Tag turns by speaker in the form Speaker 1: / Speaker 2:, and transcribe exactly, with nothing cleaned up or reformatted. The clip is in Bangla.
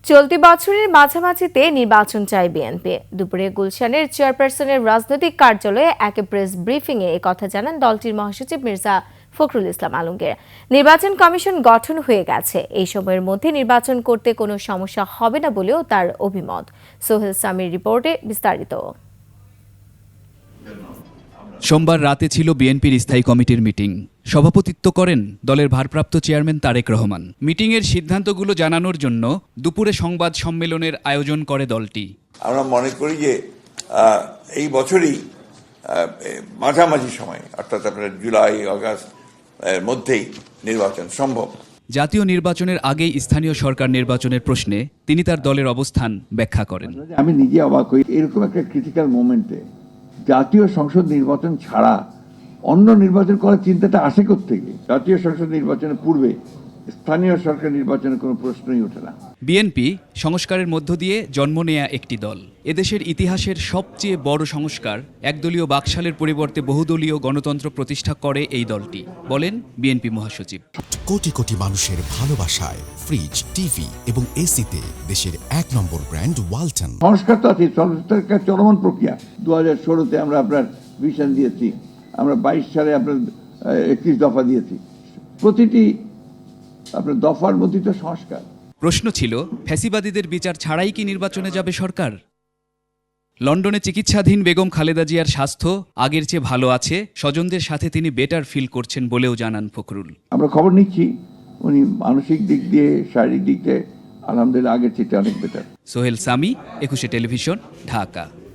Speaker 1: চলতি বছরের মাঝামাঝিতে নির্বাচন চায় বিএনপি। দুপুরে গুলশানের চেয়ারপারসনের রাজনৈতিক কার্যালয়ে এক প্রেস ব্রিফিংয়ে একথা জানান দলটির মহাসচিব মির্জা ফখরুল ইসলাম আলমগীর। নির্বাচন কমিশন গঠন হয়ে গেছে, এই সময়ের মধ্যে নির্বাচন করতে কোনো সমস্যা হবে না বলেও তার অভিমত। সোহেল সামির রিপোর্টে বিস্তারিত।
Speaker 2: সোমবার রাতে ছিল বিএনপির স্থায়ী কমিটির মিটিং। সভাপতিত্ব করেন দলের ভারপ্রাপ্ত চেয়ারম্যান তারেক রহমান। মিটিংয়ের সিদ্ধান্তগুলো জানানোর জন্য দুপুরে সংবাদ সম্মেলনের আয়োজন করে দলটি।
Speaker 3: আমরা মনে করি যে এই বছরই মাঝামাঝি সময়, অর্থাৎ আপনার জুলাই আগস্ট এর মধ্যেই নির্বাচন সম্ভব।
Speaker 2: জাতীয় নির্বাচনের আগেই স্থানীয় সরকার নির্বাচনের প্রশ্নে তিনি তার দলের অবস্থান ব্যাখ্যা করেন।
Speaker 4: আমি নিজে অবাক হই, এরকম একটা ক্রিটিক্যাল মোমেন্টে জাতীয় সংসদ নির্বাচন ছাড়া অন্য নির্বাচন করার চিন্তাটা আসে কোত্থেকে? জাতীয় সংসদ নির্বাচনের পূর্বে স্থানীয় সরকার নির্বাচনের কোনো প্রশ্নই ওঠে না।
Speaker 2: বিএনপি সংস্কারের মধ্য দিয়ে জন্ম নেয়া একটি দল। এদেশের ইতিহাসের সবচেয়ে বড় সংস্কার একদলীয় বাকশালের পরিবর্তে বহুদলীয় গণতন্ত্র প্রতিষ্ঠা করে এই দলটি, বলেন বিএনপি মহাসচিব।
Speaker 5: কোটি কোটি মানুষের ভালোবাসায় ফ্রিজ, টিভি এবং এসিতে দেশের এক নম্বর ব্র্যান্ড ওয়ালটন।
Speaker 4: সংস্কার তো আছে, চলমান প্রক্রিয়া। দু হাজার ষোলোতে আমরা আপনার ভিশন দিয়েছি, আমরা বাইশ সালে আপনার একত্রিশ দফা দিয়েছি। প্রতিটি আপনার দফার মধ্যে তো সংস্কার।
Speaker 2: প্রশ্ন ছিল, ফ্যাসিবাদীদের বিচার ছাড়াই কি নির্বাচনে যাবে সরকার? লন্ডনে চিকিৎসাধীন বেগম খালেদা জিয়ার স্বাস্থ্য আগের চেয়ে ভালো আছে, স্বজনদের সাথে তিনি বেটার ফিল করছেন বলেও জানান ফখরুল।
Speaker 4: আমরা খবর নিচ্ছি, উনি মানসিক দিক দিয়ে, শারীরিক দিক দিয়ে আলহামদুলিল্লাহ আগের চেয়ে অনেক বেটার।
Speaker 2: সোহেল সামি, একুশে টেলিভিশন, ঢাকা।